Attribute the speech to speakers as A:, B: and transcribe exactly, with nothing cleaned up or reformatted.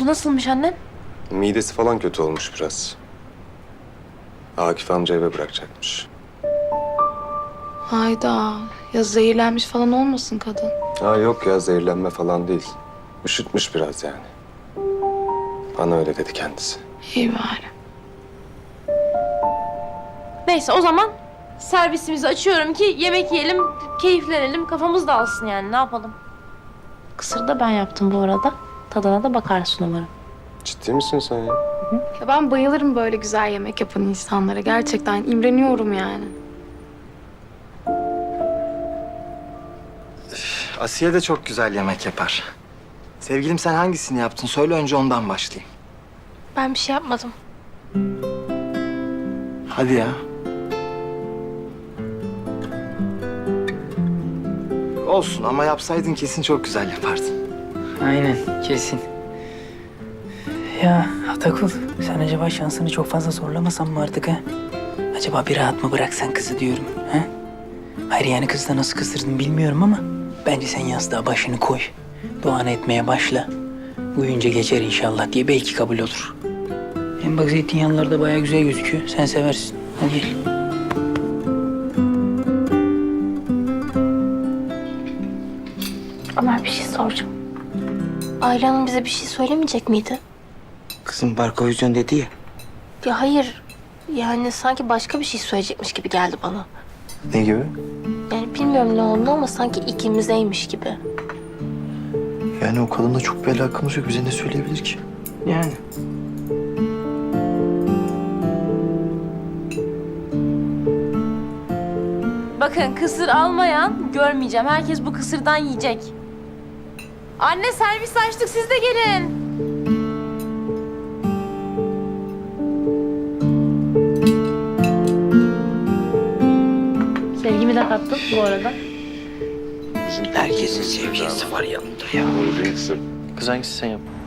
A: oldu? Nasılmış annen?
B: Midesi falan kötü olmuş biraz. Akif amca eve bırakacakmış.
C: Hayda. Ya zehirlenmiş falan olmasın kadın?
B: Ha yok ya, zehirlenme falan değil. Üşütmüş biraz yani. Bana öyle dedi kendisi.
C: İyi bari.
A: Neyse o zaman servisimizi açıyorum ki yemek yiyelim, keyiflenelim, kafamız dağılsın yani. Ne yapalım? Kısır da ben yaptım bu arada. Tadına da bakarsın umarım.
B: Ciddi misin sen ya?
C: Ya ben bayılırım böyle güzel yemek yapan insanlara. Gerçekten imreniyorum yani.
D: Asiye de çok güzel yemek yapar. Sevgilim sen hangisini yaptın? Söyle önce ondan başlayayım.
A: Ben bir şey yapmadım.
D: Hadi ya. Olsun ama yapsaydın kesin çok güzel yapardın.
E: Aynen, kesin. Ya Atakul, sen acaba şansını çok fazla zorlamasan mı artık ha? Acaba bir rahat mı bıraksan kızı diyorum ha? Hayır yani kızı da nasıl kızdırdın bilmiyorum ama bence sen yastığa başını koy. Duanı etmeye başla. Uyuyunca geçer inşallah diye belki kabul olur. Hem bak zeytinyağlılar da bayağı güzel gözüküyor. Sen seversin. Hadi gel.
A: Ömer bir şey soracağım. Ayla Hanım bize bir şey söylemeyecek miydi?
E: Kızım barko yüzünden dedi ya.
A: Ya hayır. Yani sanki başka bir şey söyleyecekmiş gibi geldi bana.
D: Ne gibi?
A: Yani bilmiyorum ne oldu ama sanki ikimizeymiş gibi.
D: Yani o kadınla çok bir alakamız yok. Bize ne söyleyebilir ki?
E: Yani.
A: Bakın kısır almayan görmeyeceğim. Herkes bu kısırdan yiyecek. Anne servis açtık siz de gelin. Sevgimi de kattım bu arada.
E: Herkesin sevgilisi var yanında ya.
B: Kız hangisi sen yap?